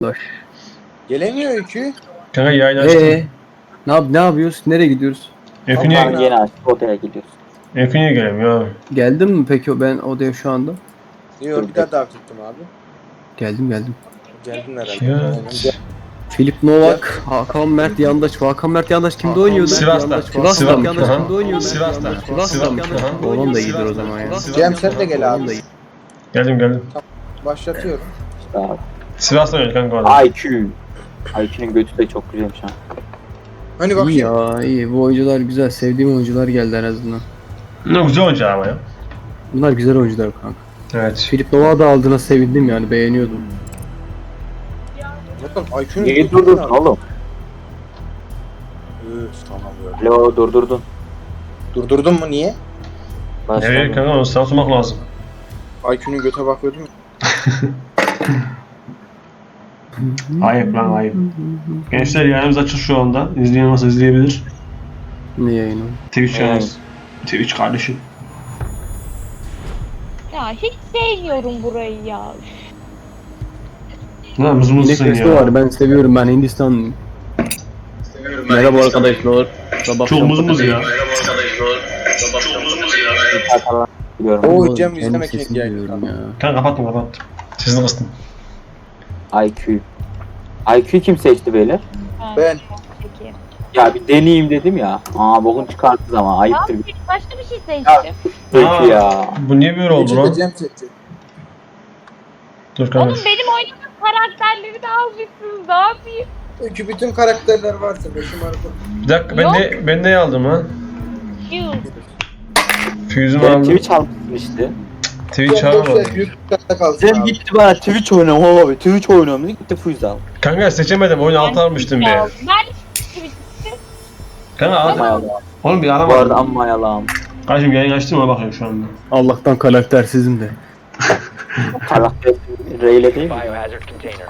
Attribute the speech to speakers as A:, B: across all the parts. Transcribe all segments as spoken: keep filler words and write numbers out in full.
A: Boş.
B: Gelemiyor öykü.
C: Kanka yayını açtım.
A: Ee, ne yap ne yapıyoruz? Nereye gidiyoruz?
C: Öykü
D: Onların
C: niye,
D: yeni açtık odaya gidiyoruz.
C: Öykü niye gelemiyor abi?
A: Geldin mi peki ben odaya şu anda?
B: Yok bir daha davet ettim abi.
A: Geldim geldim.
B: Geldin herhalde.
C: Ya.
B: Aynen. Gel.
A: Filip Novak, Hakan Mert Yandaş. Hakan Mert Yandaş kimde
C: Hakan
A: oynuyordu?
C: Sivas'ta.
A: Yandaş, Sivas'ta.
C: Sivas-
A: Hakan Yandaş
C: Aha.
A: kimde oynuyordu?
C: Sivas'ta.
A: Sivas'ta
C: Sivas-
A: mı?
C: Aha.
A: Oğlum da iyidir o zaman ya.
B: Cem sen de gel
A: Oğlum da
B: abi.
A: iyi.
C: Geldim geldim.
B: Başlatıyorum.
D: İşte abi.
C: Sivas'ta oynuyor kanka orada.
D: I Q. I Q'nun götü de çok güzelmiş ha.
B: Hani
A: İyi
B: bakayım.
A: ya iyi. Bu oyuncular güzel. Sevdiğim oyuncular geldi en azından.
C: Ne güzel oyuncu ama ya.
A: Bunlar güzel oyuncular kanka.
C: Evet.
A: Filip Novak'ı da aldığına sevindim yani beğeniyordum.
B: Bakın I Q'nun
D: Niye durdurdun oğlum?
B: Üf, tamam böyle.
D: Alo durdurdun.
B: Durdurdun mu niye?
C: Nereye
D: Başladım.
C: kanka onu sana sormak lazım.
B: I Q'nun göte bakıyordum.
C: Ayıp lan ayıp. Gençler yayınımız açık şu anda. İzleyen varsa izleyebilir.
A: Ne yayını?
C: Twitch
D: Evet.
C: yayınımız. Twitch kardeşim.
E: Ya hiç sevmiyorum burayı ya.
C: Lan mız mızsın
A: Nefesi
C: ya.
A: var ben seviyorum ben Hindistanlıyım. Merhaba arkadaşlar. Sabah
C: Çok mız mız ya.
D: Biliyorum.
B: Oo Cem
A: Kendi
B: izlemek
A: sesini
B: için
A: duyuyorum ya.
C: Kanka kapattım kapattım. Sesini kıstım.
D: I Q. I Q kim seçti beyler?
E: Ha,
B: Ben.
E: Peki.
D: Ya bir deneyeyim dedim ya. Aa bokun çıkarttı ama ayıptır.
E: Tamam, başka bir şey seçtim.
D: Peki ya.
C: Bu niye böyle oldu
B: İçinde
C: lan?
B: Cem seçti.
C: Dur kanka.
E: Oğlum benim oynadığım karakterleri de almışsınız. Ne yapayım?
B: Öykü bütün karakterler varsa başım arada.
C: Bir dakika ben
E: Yok.
C: ne ben ne aldım ha?
E: Yuh.
C: Fuse'umu
D: Benim
C: aldım.
D: Twitch almışsın işte.
C: Twitch
B: Cem boş ver,
C: alamadım.
B: büyük kata kalsın
D: Cem
B: abi.
D: gitti bana Twitch oynuyorum abi. Twitch oynuyorum dedi gitti Fuyuz al.
C: Kanka seçemedim. Oyunu altı almıştım
E: Ya,
C: bir.
E: Ben hiç
C: Kanka
D: Amma
C: al.
D: yalan.
C: Oğlum bir
D: Bu arada
C: aramadım.
D: amma yalan.
C: Kardeşim yayın açtım ona bakıyorum şu anda.
A: Allah'tan karaktersizim de.
D: Karakter Reyle değil mi?
F: Biohazard container.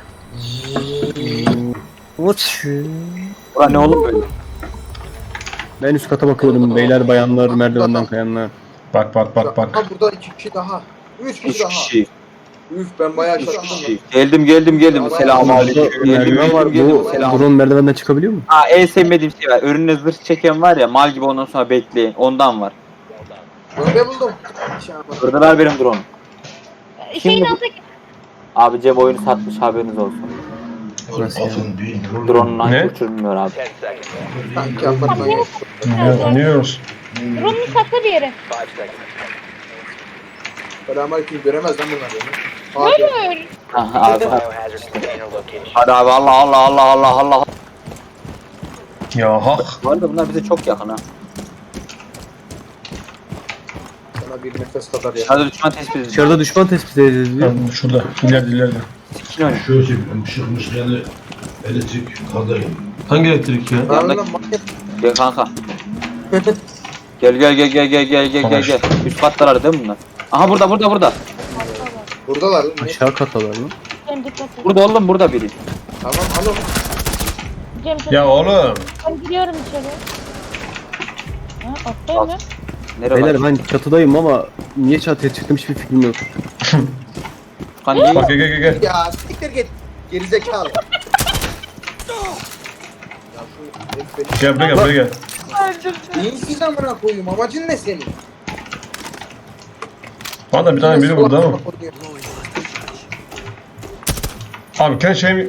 D: Ulan ne oğlum böyle?
A: Ben üst kata bakıyorum beyler bayanlar merdivenden kayanlar.
C: Bak bak bak bak.
B: Ha burada iki kişi daha. Üç kişi
D: Üç
B: daha.
D: kişi.
B: Üf ben bayağı
D: Üç
B: şaşırdım.
D: kişi. Geldim geldim geldim. Selamünaleyküm. Geldim
A: Merdiven var.
D: geldim geldim.
A: Bu
D: Selam.
A: drone merdivenden çıkabiliyor mu?
D: Ha en sevmediğim şey var. Önüne zırh çeken var ya mal gibi ondan sonra bekleyin. Ondan var.
B: Böyle buldum. Şey yapalım.
D: Burada ver benim drone.
E: şeyin
D: bu?
E: altındaki
D: Abi Cem oyunu satmış haberiniz olsun.
A: Nasıl yani?
D: Drone'unu
F: Ne?
D: uçurmuyor abi.
F: ten seconds.
B: Sanki apartman yok.
C: Ya, anlıyoruz.
E: Rum'un saklı bir yere.
F: Five seconds.
B: Selamünaleyküm göremez lan bunlar beni. Abi
E: Hayır.
D: Ha, abi, abi.
F: Biohazard container location.
D: Hadi abi Allah Allah Allah Allah Allah.
C: Ya hak.
D: Bu arada bunlar bize çok yakın ha.
B: sana bir nefes kadar ya.
D: Dışarıda düşman tespit edildi.
A: Dışarıda düşman tespit edildi diyor.
C: Lan şurada. İleride ileride.
D: Sikin oyunu.
G: Şöyle çekiyorum, ışıkmış yani elektrik kadayı.
C: Hangi elektrik ya?
B: Lan lan market.
D: Gel kanka. Gel gel gel gel gel gel gel gel gel. Üst katlar değil mi bunlar? Aha burada burada burada.
B: Buradalar lan. Ne?
A: Aşağı katalar lan.
E: Cem dikkat et.
D: Burada oğlum burada biri.
B: Tamam alo.
E: Cem çok
C: Ya oğlum.
E: Ben giriyorum içeri. Ha, atlayayım mı?
D: Nereye
A: Beyler
D: var?
A: ben çatıdayım ama niye çatıya çıktım hiçbir fikrim yok.
D: Kan niye?
C: Bak gel gel gel gel.
B: Ya siktir git. Gerizekalı. Ya şu herif beni-
C: Gel buraya gel buraya gel.
B: Beyinsiz amına koyayım. Amacın ne senin?
C: Bana bir tane biri burada ama. Abi kendi şeyimi...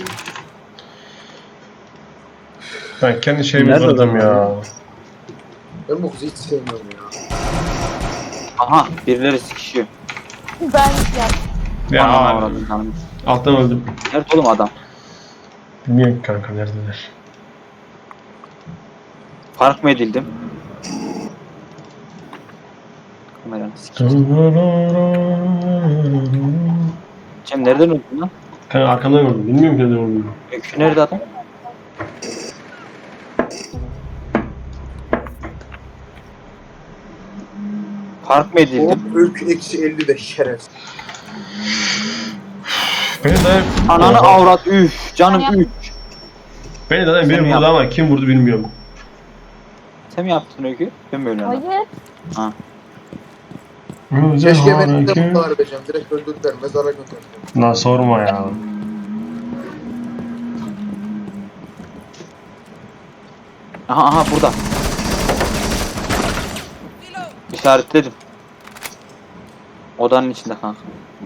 C: Ben kendi şeyimi
A: Nerede
C: kırdım
A: adam
C: ya.
A: ya?
B: Ben bu kızı hiç sevmiyorum ya.
D: Aha birileri sıkışıyor.
E: Ben ya.
C: Ya
D: Anam
C: abi.
D: avradım canım.
C: Alttan öldüm.
D: Nerede oğlum adam?
C: Bilmiyorum ki kanka neredeler.
D: Fark mı edildim? Kameranı sikeyim. Cem nereden öldün lan?
C: Kanka arkamdan gördüm. Bilmiyorum ki nereden öldüm.
D: Öykü nerede adam? Fark mı edildim?
B: Hop öykü eksi elli de şerefsiz.
C: Beni de...
D: Ananı
C: Oha.
D: avrat üf canım üf.
C: Beni zaten biri
D: Sen
C: vurdu ama kim vurdu bilmiyorum.
D: Sen mi yaptın Öykü? Ben mi öyle
E: Hayır.
B: Keşke beni de mutlu edeceğim. Direkt öldürdüler. Mezara gönderdiler.
C: Lan sorma ya.
D: Aha aha burada. İşaretledim. Odanın içinde kanka.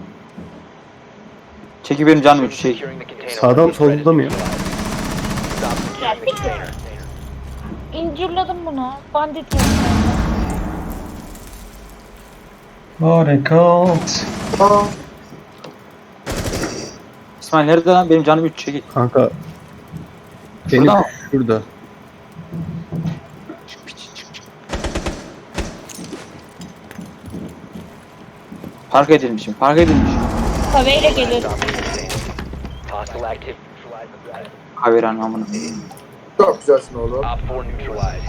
D: Çeki benim canım üç çek.
F: Securing the container.
A: Sağdan solda mı ya?
F: Stop securing the container.
E: İncirledim bunu. Bandit mi?
C: Harekat.
B: Aa,
D: İsmail nerede lan? Benim canım üç çekil.
A: Kanka. Benim
D: Şurada mı?
A: şurada.
D: Park edilmişim. Park edilmişim.
E: Kaveyle gelir.
F: Stop the container. Hostile activity.
D: Haber anlamını.
B: çok güzelsin oğlum.
F: Op four neutralized.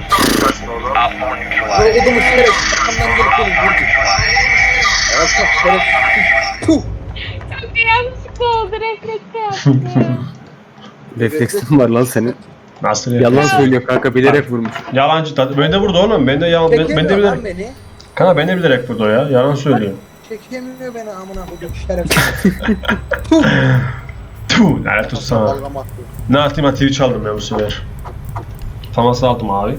B: Sonra odumu şerefsiz arkamdan gelip beni vurdu. Ya çok şerefsiz. Puh.
E: Yanlışlıkla oldu. Reflekte yaptı.
A: Refleksin var lan senin.
C: Nasıl
A: Yalan
C: yapıyorsun?
A: söylüyor kanka, bilerek vurmuş.
C: Yalancı tat. Ben de vurdu oğlum. Ben de yalan. Ben, ben de
B: Çekemiyor
C: bilerek.
B: lan beni.
C: Kanka ben de bilerek vurdu o ya. Yalan söylüyor.
B: Çekemiyor beni amına koyduğum şerefsiz.
C: Tuh, lanet olsun sana.
B: Dalgam attı.
C: Ne atayım ha, Twitch aldım ben bu sefer. Faması aldım abi.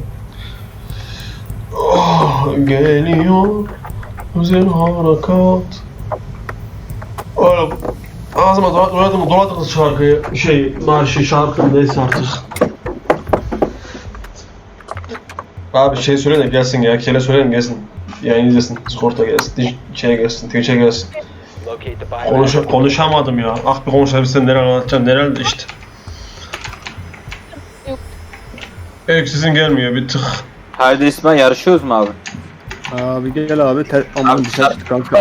C: Oh, geliyor güzel harekat. Oğlum ağzıma dola- doladım doladık şarkıyı, şey marşı şarkı neyse artık. Abi şey söyle de gelsin ya, Kele söyleyin gelsin. Yayın izlesin, Discord'a gelsin, Di- şeye gelsin, Twitch'e gelsin.
F: Locate the biohazard.
C: Konuş konuşamadım ya. Ah bir konuşabilsem neler anlatacağım, neler işte.
E: Yok.
C: Evet sizin gelmiyor bir tık.
D: Haydi İsmail yarışıyoruz mu abi?
A: Abi gel abi. Ter... Aman
D: Abi,
A: dışarı çık kanka.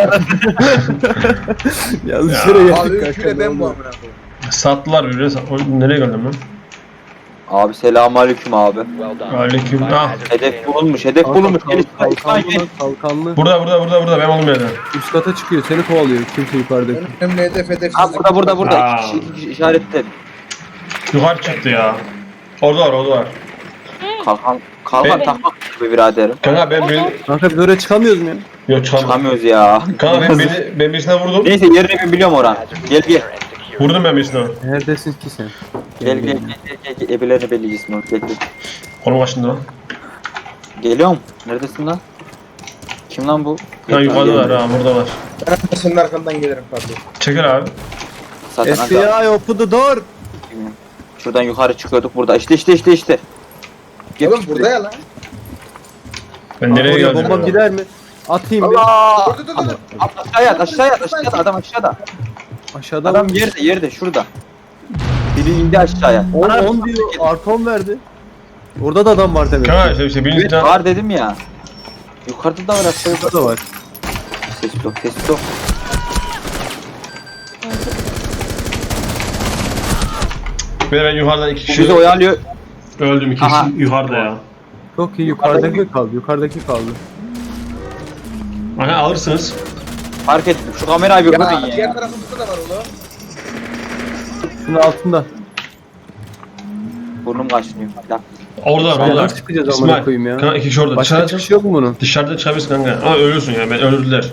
A: Yanlış
C: Ya.
A: yere
B: Abi
A: geldik
B: üçüne
A: kanka.
B: ben bu amına koyayım.
C: Sattılar birbirine. Sat- O- Nereye geldim ben?
D: Abi selamünaleyküm abi.
F: Well done.
C: Aleyküm. Ah.
F: Biohazard
D: Hedef
F: container.
D: bulunmuş, hedef
A: Kanka,
D: bulunmuş. Gel
A: kal-
D: İsmail, İsmail
A: kalkanlı,
D: gel.
A: kalkanlı.
C: Burada burada burada burada ben oldum yerden.
A: Üst kata çıkıyor, seni kovalıyor. Kimse yukarıda.
B: Benim önümde hedef hedef.
D: Ha burada burada burada.
C: Aa.
D: İki kişi, iki kişi işaretledim.
C: Yukarı çıktı ya. Orada var orada var.
D: Kalkan, kalkan
C: Ben-
D: takmak gibi biraderim.
C: Kanka ben beni...
A: Kanka biz oraya çıkamıyoruz mu ya?
C: Yok çıkamam.
D: Çıkamıyoruz ya.
C: Kanka ben beni ben birisine vurdum.
D: Neyse yerini ben biliyorum Orhan. Gel gel.
C: Vurdum ben birisine.
A: Neredesin ki sen?
D: Gel gel gel gel gel. gel. Ebelerini belleyeceksin Orhan. Gel gel.
C: Kolum başında lan.
D: Geliyorum. Neredesin lan? Kim lan bu?
C: Ha yukarıda var ha burada var.
B: Ben de senin arkandan gelirim pardon.
C: Çekil abi.
D: Zaten
A: F B I open the door.
D: Bilmiyorum. Şuradan yukarı çıkıyorduk burada. İşte işte işte işte. Gel
B: Oğlum burada ya lan.
C: Ben nereye
A: Oraya
C: geldim?
A: bombam
C: ya?
A: gider mi? Atayım bir.
D: Allah!
B: Dur dur dur dur.
D: Aşağıya at aşağıya at aşağıda adam aşağıda.
A: Aşağıda
D: Adam
A: var.
D: yerde yerde şurada. Biri indi aşağıya.
A: on on diyor. Artı on verdi. Orada da adam var demek.
C: Kanka
A: ki.
C: işte, işte
D: Evet
C: birinciden...
D: var dedim ya. Yukarıda da var aşağıda.
A: Orada da var.
D: Ses yok ses yok.
C: Ben, ben yukarıdan iki
D: Bu
C: kişi
D: bizi oyalıyor.
C: öldüm, iki
D: Aha.
C: kişi yukarıda ya.
A: Çok iyi, yukarıdaki kaldı. Yukarıdaki kaldı.
C: Aha alırsınız.
D: Fark ettim. Şu kamerayı bir
B: Ya
D: bakın
B: diğer
D: ya.
B: tarafımızda da var oğlum.
A: Şunun altında.
D: Burnum kaşınıyor. Ya.
C: Orada var
A: Sen
C: orada.
A: nasıl çıkacağız amına koyayım ya?
C: Kanka iki kişi orada.
A: Başka
C: Dışarıda,
A: çıkış yok mu bunun?
C: dışarıda çıkabilirsin kanka. Ama ölürsün ya, ben öldürdüler.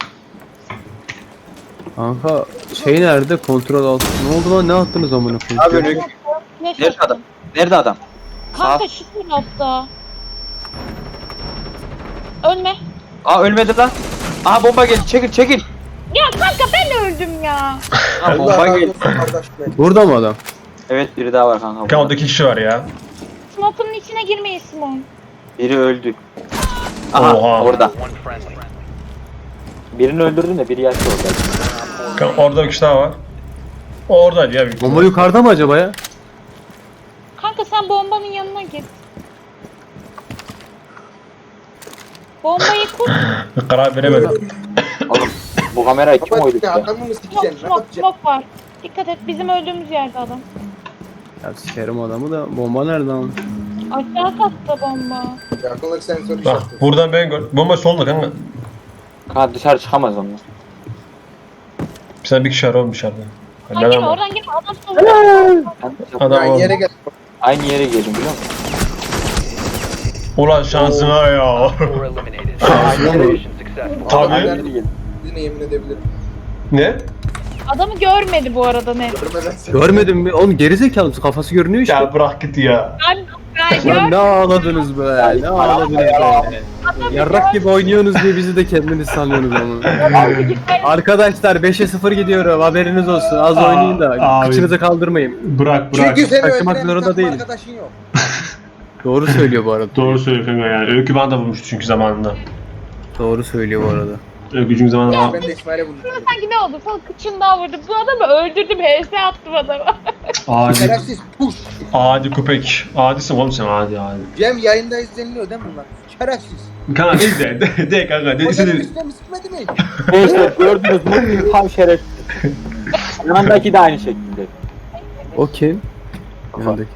A: Kanka şey nerede? Kontrol altı. Ne oldu lan? Ne attınız amına koyayım?
D: Abi öyle.
E: Ne
D: Nerede adam? Nerede adam?
E: Kanka şu tarafta. Ölme.
D: Aa ölmedi lan. Aha bomba geldi. Çekil çekil.
E: Ya kanka ben öldüm ya.
D: Aha
B: Allah
D: bomba
B: razı
D: geldi.
B: olsun kardeş be.
A: Burada mı adam?
D: Evet biri daha var kanka.
C: Kanka orada iki kişi var ya.
E: Smoke'un içine girmeyin Simon.
D: Biri öldü. Aha
C: Oha.
D: orada.
F: One friendly.
D: Birini öldürdün de biri yaşlı orada.
C: Kanka orada bir kişi daha var. O oradaydı ya. büyük
A: Bomba
C: ihtimal.
A: yukarıda mı acaba ya?
E: Kanka sen bombanın yanına git. Bombayı kur.
C: Karar veremedim.
D: Oğlum bu kamerayı kim
B: Baba
D: oydu
B: ya
D: ya?
B: adamı mı
E: Smoke,
B: sikeceksin? Ne
E: smoke,
B: yapacaksın?
E: smoke var. Dikkat et bizim öldüğümüz yerde adam.
A: Ya sikerim adamı da bomba nerede lan?
E: Aşağı katta bomba.
B: Yakınlık sensörü
C: Bak
B: işareti.
C: buradan ben gör. Bomba solda kanka.
D: Kanka dışarı çıkamaz onlar.
C: Sen bir kişi var oğlum dışarıda.
E: Oradan
C: Ne
E: girme
C: var?
E: oradan girme adam soruyor.
C: Adam
B: Yani yere
C: oldu.
B: gel.
D: Aynı yere geldim biliyor musun?
C: Ulan şansına ya.
F: Four eliminated.
C: Şansına mı?
F: Mission successful.
C: Tabii.
D: Aynı yere geldim.
B: Yine yemin edebilirim.
C: Ne?
E: Adamı görmedi bu arada net.
B: Görmeden seni.
A: Görmedin mi? Oğlum gerizekalı mısın? Kafası görünüyor işte.
C: Ya bırak git ya.
E: Ben,
A: Lan ne ağladınız be? Ne ağladınız be? Yarrak gibi oynuyorsunuz diye bizi de kendiniz sanıyorsunuz ama. Arkadaşlar beşe sıfır gidiyorum, haberiniz olsun. Az
C: Aa,
A: oynayın da
C: abi.
A: kıçınızı kaldırmayın.
C: Bırak bırak.
B: Çünkü seni
A: Taşımak
B: öldüren bir
A: zorunda
B: takım
A: değilim.
B: arkadaşın yok.
A: Doğru söylüyor bu arada.
C: Doğru söylüyor kanka yani. Öykü bana da vurmuştu çünkü zamanında.
A: Doğru söylüyor bu arada.
C: Öykü çünkü zamanında...
B: Ben de İsmail'e buldum.
E: Sanki ne oldu? Falan kıçından vurdum. Bu adamı öldürdüm. H S attım adama.
C: Adi,
B: Şerefsiz puş.
C: adi köpek. Adisin oğlum sen adi adi.
B: Cem yayında izleniliyor değil mi bunlar? Şerefsiz.
C: Kanka ne de, de, de kanka. De,
B: Hocanın
C: istedi.
B: üstüne mi sıkmadı mı?
D: Gençler gördünüz mü? Tam şerefsiz. Yanındaki de aynı şekilde.
A: O kim? Yanındaki.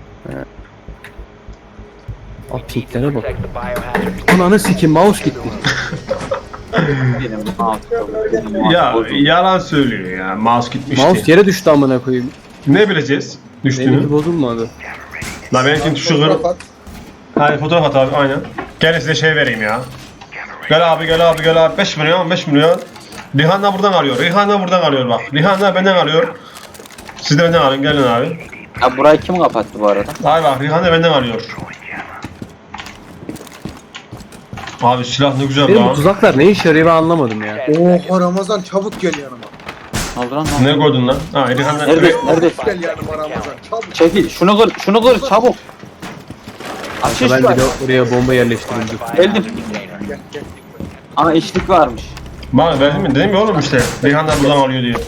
A: Aa pinklere bak.
F: Protect the biohazard.
A: Ananı sikim, mouse gitti.
D: Benim benim
C: Ya yalan söylüyor ya. Mouse gitmişti.
A: Mouse yere düştü amına koyayım.
C: Ne bileceğiz?
A: Benimki
C: Düştüğünü.
A: bozulmadı.
C: La benimki şu kır.
B: Fotoğraf at.
C: Hayır fotoğraf at abi aynen. Gel size şey vereyim ya. Gel abi gel abi gel abi. beş milyon beş milyon. Rihan da buradan alıyor. Rihan da buradan alıyor bak. Rihan da benden alıyor. Siz de benden alın gelin abi.
D: Ya burayı kim kapattı bu arada?
C: Ay bak Rihan da benden alıyor. Abi silah ne güzel
A: Benim bu
C: lan.
A: tuzaklar ne işe yarıyor ben anlamadım ya.
B: Oha Ramazan çabuk gel yanıma.
D: Ne oldu lan? Ne oldu?
C: Ne koydun lan? Ha Rihan da...
D: Neredesin? Neredesin?
B: Gel yanıma Ramazan çabuk.
D: Çekil. Şunu kır. Şunu kır. Çabuk. Açış
A: Ben
D: var.
A: bir de oraya bomba yerleştirildi.
D: Geldim.
B: Gel gel.
D: Ama içlik varmış.
C: Bak verdim mi? Dedim ya oğlum işte. Rihan da buradan alıyor diye.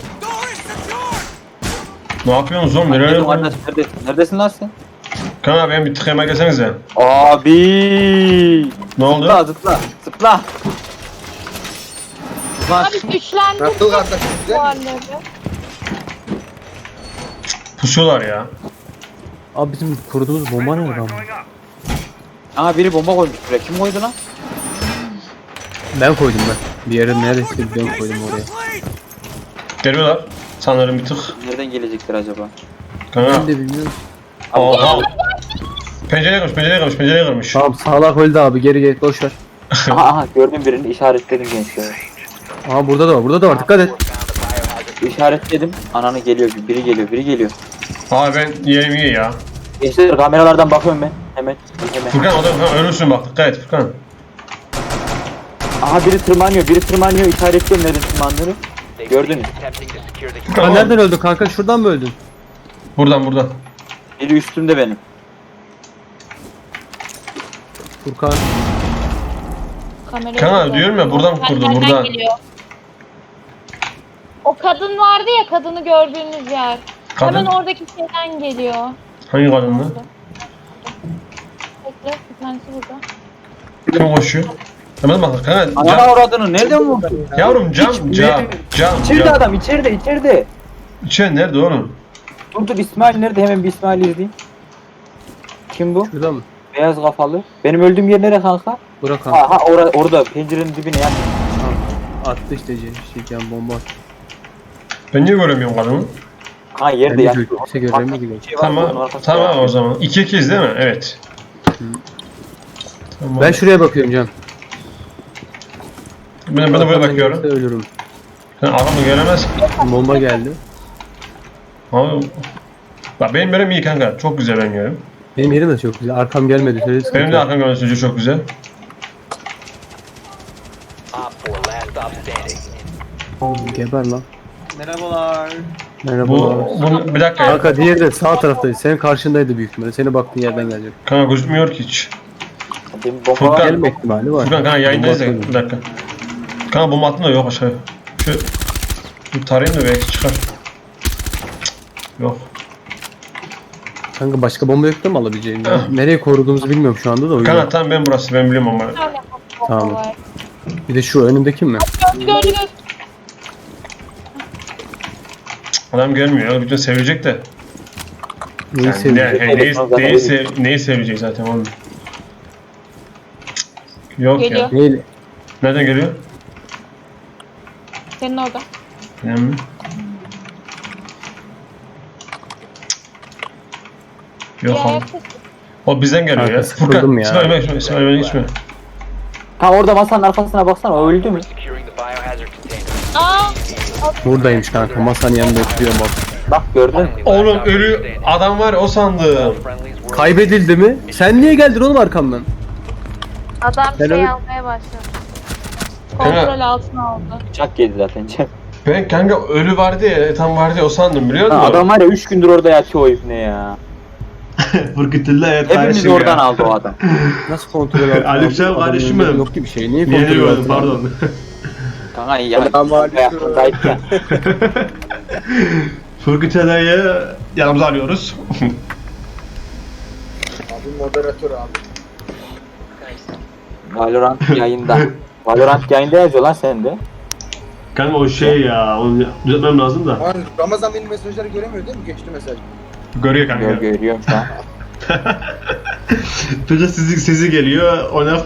C: Ne yapıyorsunuz oğlum? Nereye?
D: Geldim kardeş. Neredesin? Neredesin lan sen?
C: Kan abi benim bir tıkayıma gelsenize.
D: Abi.
C: Ne oldu?
D: Zıpla zıpla. Zıpla. Zıpla.
E: Abi güçlendik.
B: Nasıl kardeşim
E: Bu
B: güzel mi?
E: halleri.
C: Pusuyorlar ya.
A: Abi bizim kurduğumuz bomba nerede ama?
D: Aa biri bomba koymuş buraya. Kim koydu lan?
A: Ben koydum ben. Bir yere neredeyse ben koydum oraya.
C: Geliyorlar. Sanırım bir tık.
D: Nereden gelecektir acaba?
C: Kanka.
A: Ben de bilmiyorum.
C: Oha. Pencereye kırmış, pencereye kırmış, pencereye kırmış.
A: Tamam sağlak öldü abi, geri gel boş ver.
D: aha aha gördüm birini işaretledim gençler.
A: Aa burada da var, burada da var, dikkat et.
D: İşaretledim. Ananı geliyor. Biri geliyor. Biri geliyor.
C: Abi ben yerim iyi ya.
D: Gençler kameralardan bakıyorum ben. Hemen. Hemen.
C: Furkan o da Furkan ölürsün bak, dikkat et Furkan.
D: Aha biri tırmanıyor. Biri tırmanıyor. İşaretliyorum nereden tırmandığını. Gördünüz.
F: Attempting to secure the
C: Furkan
A: Aa,
C: oğlum.
A: nereden öldün kanka? Şuradan mı öldün?
C: Buradan buradan.
D: Biri üstümde benim.
A: Furkan.
E: Kamerayı
C: Kanal
E: buradan-
C: diyorum ya, buradan kurdu,
E: Nereden
C: buradan.
E: geliyor? O kadın vardı ya, kadını gördüğünüz yer.
C: Kadın?
E: Hemen oradaki şeyden geliyor.
C: Hangi kadın lan?
E: Bekle, bir tanesi burada.
C: Kim koşuyor? Hemen bak kanka.
D: Anana
C: Cam.
D: uğradığını nereden vurdun?
C: Yavrum cam,
D: Hiç-
C: cam, cam,
D: İçeride
C: cam.
D: adam içeride içeride.
C: İçen nerede oğlum?
D: Dur dur İsmail nerede? Hemen bir İsmail izleyeyim. Kim bu?
A: Şurada mı?
D: Beyaz kafalı. Benim öldüğüm yer nere kanka?
A: Bırak kanka.
D: Aha orada orada pencerenin dibine yat.
A: Attı işte şey, şey bomba attı.
C: Ben niye göremiyorum kadını?
D: Ha
A: Ben
D: yerde
A: de
D: yat.
A: gö- kimse göremedi gibi.
D: Şey var, onun
C: Tamam,
D: arkasında
C: tamam
D: yatıyor.
C: o zaman. iki ikiyiz değil mi? Evet. Tamam.
A: Ben şuraya bakıyorum Can.
C: ben, ben de böyle
A: Arkamdan
C: bakıyorum.
A: gelirse ölürüm.
C: Sen adamı göremez.
A: Bomba geldi.
C: Abi, bak benim yerim iyi kanka. Çok güzel ben yerim.
A: Benim yerim de çok güzel. Arkam gelmedi. Söyle sıkıntı
C: Benim de
A: yok.
C: arkam görüntüsü çok güzel.
F: Op four last stop standing.
A: Geber lan.
H: Merhabalar.
A: Merhaba.
C: Bu, bu bir dakika ya.
A: Kanka diğeri de sağ taraftaydı. Senin karşındaydı büyük ihtimalle. Senin baktığın yerden gelecek.
C: Kanka gözükmüyor ki hiç.
D: Benim bomba
C: Furkan.
D: var.
A: Gelme ihtimali var.
C: Furkan kanka yayındayız ya.
A: Bomba
C: Bir dakika. Kanka bomba attın da yok aşağıya. Şu, şu tarayayım da belki çıkar. Cık, yok.
A: Kanka başka bomba yok da mı alabileceğim? ya? Nereye koruduğumuzu bilmiyorum şu anda da o yüzden.
C: Kanka tamam ben burası ben biliyorum ama.
E: Bir tane bomba
A: Tamam.
E: var.
A: Bir de şu önümdeki mi?
E: Gördü gördü gördü.
C: Adam gelmiyor ya. Bütün sevecek de.
A: Neyi
C: Yani,
A: sevecek?
C: ne, neyi, neyi, sev, neyi sevecek zaten oğlum. Cık, yok
E: Geliyor.
C: ya.
A: Neyle?
C: Nereden geliyor?
E: Senin orada.
C: Benim mi? Yok
E: Bir
C: oğlum.
E: ayak sesi.
C: O bizden geliyor
A: Kanka,
C: ya.
A: sıkıldım ya.
C: İsmail ben geçme. İsmail ben geçme.
D: Ha orada masanın arkasına baksana o öldü mü?
F: Securing the biohazard container.
E: Aa!
A: Buradaymış kanka. Masanın yanında oturuyorum bak.
D: Bak gördün mü?
C: Oğlum ölü adam var ya, o sandım.
F: Friendlies were
A: Kaybedildi mi? Sen niye geldin oğlum arkamdan?
E: Adam
A: Ben
E: şey
A: öyle-
E: almaya başladı.
C: Kanka-
E: Kontrol altına aldı.
D: Bıçak yedi zaten Cem.
C: Ben kanka ölü vardı ya, tam vardı ya, o sandım biliyor
D: Ha,
C: musun?
D: adam var ya üç gündür orada yatıyor o ibne ya.
C: Fırkıtıllah evet
D: Hepimiz oradan aldı o adam.
A: Nasıl kontrol altına
C: Aleykümselam
A: aldın? Adamın
C: kardeşim
A: yanında
C: benim.
A: Yok gibi şey. Niye
C: Niye
A: kontrol
C: diyordum,
A: altına aldın?
C: pardon.
D: Kanka ya.
B: Selamünaleyküm.
D: Ayakkabıdaydı ya.
C: Fırkıtılah'ı yanımıza alıyoruz.
B: Abi moderatör abi.
D: Valorant yayında. Valorant yayında yazıyor lan sende.
C: Kanka o şey ya, onu düzeltmem lazım da.
B: Lan Ramazan benim mesajları göremiyor değil mi? Geçti mesaj.
C: Görüyor kanka.
D: Gör, görüyorum şu an.
C: Peki sizi, sizi geliyor, ona...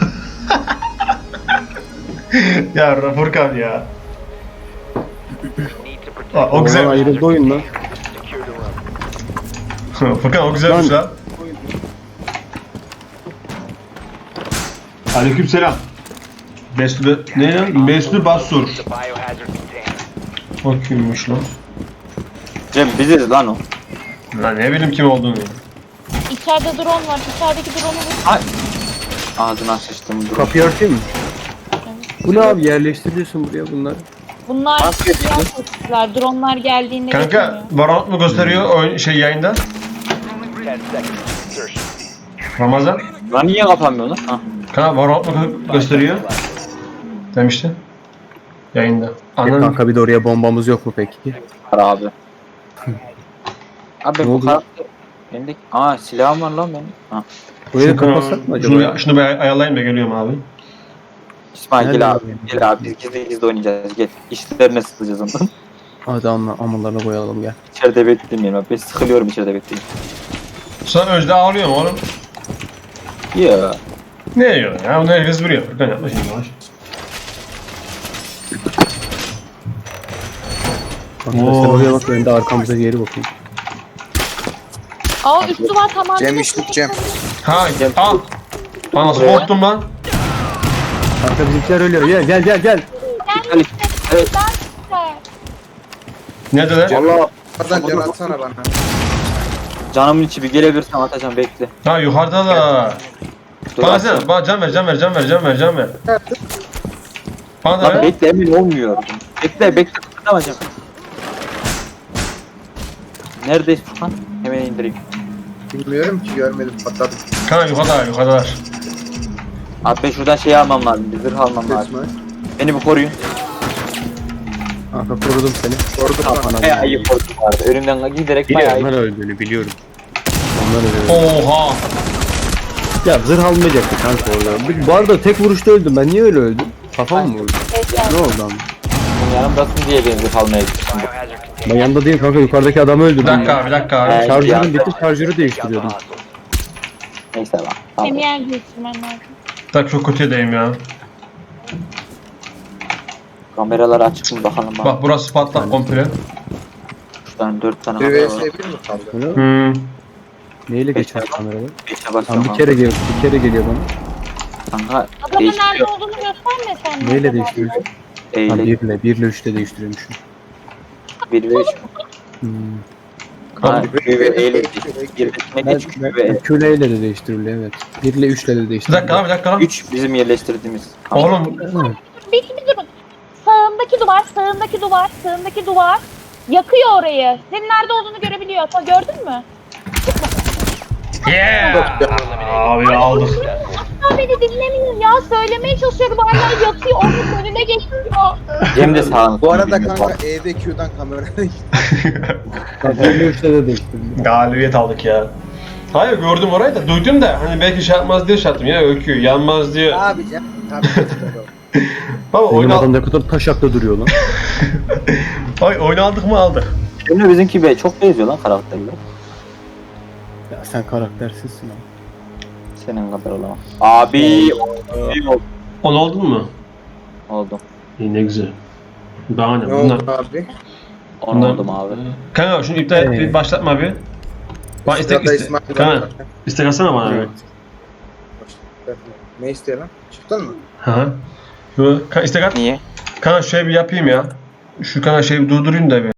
C: ya Furkan ya.
F: need to protect.
C: Aa, o
A: Oğlan
C: güzel.
A: ayrıldı oyun lan.
F: Secure the room.
C: Furkan o güzelmiş lan. Aleykümselam. Mesut ne lan? Mesut Basur.
F: The biohazard container.
C: O kimmiş lan?
D: Cem biziz lan o.
C: Lan ne bileyim kim olduğunu.
E: İçeride drone var. İçerideki drone'u vur.
D: Ay. Ağzına sıçtım. Dur.
A: Kapıyı örteyim mi? Bu ne abi, yerleştiriyorsun buraya bunları.
E: Bunlar
D: Nasıl
E: siyah sesler. Drone'lar geldiğinde
C: Kanka
E: geçmiyor.
C: Valorant mı gösteriyor oyun şey yayında?
F: ten seconds. Insertion.
C: Ramazan.
D: Lan niye kapanmıyor lan? Ha.
C: Kanka Valorant mı gö- gösteriyor? Demişti. Yayında. Anladın mı?
A: Kanka bir de oraya bombamız yok mu peki?
D: Var abi. Abi
A: Ne
D: bu
A: oldu?
D: karakter... Bende... Aa silahım var lan benim. Ha.
A: Burayı
C: Şunu,
A: kapatsak mı acaba?
C: şunu, şunu bir ay- ayarlayayım da geliyorum abi.
D: İsmail
A: Nerede
D: gel abi.
A: abi?
D: Gel abi biz gizli gizli oynayacağız. Gel. İşlerine sıkılacağız ondan.
A: Hadi amma, ammalarına koyalım gel.
D: İçeride beklemeyelim abi. Ben sıkılıyorum içeride bekleyeyim.
C: Sen Özde ağlıyor mu oğlum?
D: Ya.
C: Ne yiyor ya? Bunu herkes biliyor. Furkan yapma şimdi yavaş.
A: Arkadaşlar
C: Oo.
A: oraya bak, ben de arkamıza geri bakayım.
E: Aa üstü var tamam.
B: Cem işlik Cem.
C: Ha al. Lan nasıl korktum lan?
A: Kanka bizimkiler ölüyor. Gel gel gel gel.
D: Ali. Evet.
C: Ne dediler?
D: Valla
B: Ramazan can atsana bana.
D: canımın içi bir gelebilirsen atacağım bekle.
C: Ha yukarıda da.
D: Dur,
C: Bana
D: atacağım.
C: sen, bana can ver, can ver, can ver, can ver, can ver. Bana da
D: Lan
C: ver.
D: bekle emin olmuyor. Bekle bekle kıpırdamayacağım. Neredeyiz Furkan? Hemen indireyim.
B: Bilmiyorum ki görmedim patladım.
C: Kanka yukarıda, yukarıdalar.
D: Abi ben şuradan şey almam lazım. Bir zırh almam lazım.
B: İsmail.
D: Beni bir koruyun.
A: Kanka korudum seni.
B: Korkut lan.
D: Bayağı iyi korudum vardı. Önümden giderek bayağı
A: Biliyorum
D: iyi.
A: ben öldüğünü biliyorum. Onlar ölüyor.
C: Oha.
A: Ya zırh almayacaktı kanka orada. Bu arada tek vuruşta öldüm. Ben niye öyle öldüm? Kafam mı vurdu? Ne oldu ama?
D: Bunun yanımdasın diye ben zırh almaya gittim.
F: Biohazard
A: Ben
F: container.
A: yanında değilim kanka, yukarıdaki adamı öldürdüm.
C: Bir dakika, bir dakika abi.
D: Evet.
A: Şarjörüm bitti, şarjörü değiştiriyordum.
D: Neyse lan. Tamam.
E: Hem yer değiştirmen lazım.
C: Tak çok kötü edeyim ya.
D: Kameraları açık mı bakalım bak.
C: Bak burası patlak komple.
D: Şuradan dört tane
B: Bir
D: kamera
B: vs
D: var.
B: bir mi kaldı?
A: Öyle mi?
C: Hmm.
A: Neyle geçer kameralar?
D: Beşe
A: Tam
D: basıyorum.
A: bir kere geliyor, bir kere geliyor bana.
D: Kanka
E: Adamın nerede
D: değiştiriyor.
E: olduğunu gösterme sen.
A: Neyle değiştiriyorsun? Ha,
D: Eyle.
A: birle, birle üçle değiştiriyormuşum.
D: Bir ve üç.
A: Hmm.
D: Ha,
B: Bir
D: Q ve
B: ve
D: eyle.
B: iki ve iki.
D: Bir ve
A: Ben,
D: üç Q
A: ben,
D: ve
A: Q ile de değiştiriliyor evet. birle üçle de
C: Bir
A: değiştiriliyor.
C: dakika lan, bir dakika lan.
D: üç bizim yerleştirdiğimiz.
C: Oğlum
E: Bir, bir durun. Sağındaki duvar, sağındaki duvar, sağındaki duvar. Yakıyor orayı. Senin nerede olduğunu görebiliyor. Ta gördün mü?
C: yeah. Abi aldık.
E: Asla beni dinlemiyor ya. Söylemeye çalışıyorum. Hala yatıyor. Onun önüne geçiyor.
D: Cem de sağını.
B: Bu arada kanka E ve Q'dan kamera
A: birle üçle de değiştiriliyor.
C: Galibiyet aldık ya. Hayır gördüm orayı da duydum da hani belki şey yapmaz diye şey yaptım ya, öykü yanmaz diye.
B: Abi Cem. Tabii ki.
C: Baba
A: Benim
C: oyunu,
A: adam ne kadar taşakta duruyor lan.
C: Ay, oyunu aldık mı aldık.
D: Cem'le bizimki be çok benziyor lan karakterler.
A: Ya sen karaktersizsin abi.
D: Senin kadar olamam. Abi iyi oldu.
C: On oldun mu?
D: Oldum.
C: İyi ne güzel. Daha ne
B: Ne
C: bunlar?
B: oldu abi?
D: On
C: bunlar-
D: oldum abi.
C: Kanka şunu iptal et,
A: Ee.
C: bir başlatma bir. Bana istek
B: Sırada
C: iste.
B: İsmail
C: Kanka
B: var.
C: istek atsana bana.
A: Evet.
B: Ne istiyor lan? Çıktın mı?
C: Hı hı. Yo, kanka istek at.
D: Niye?
C: Kanka şöyle bir yapayım ya. Şu kanka şeyi bir durdurayım da bir.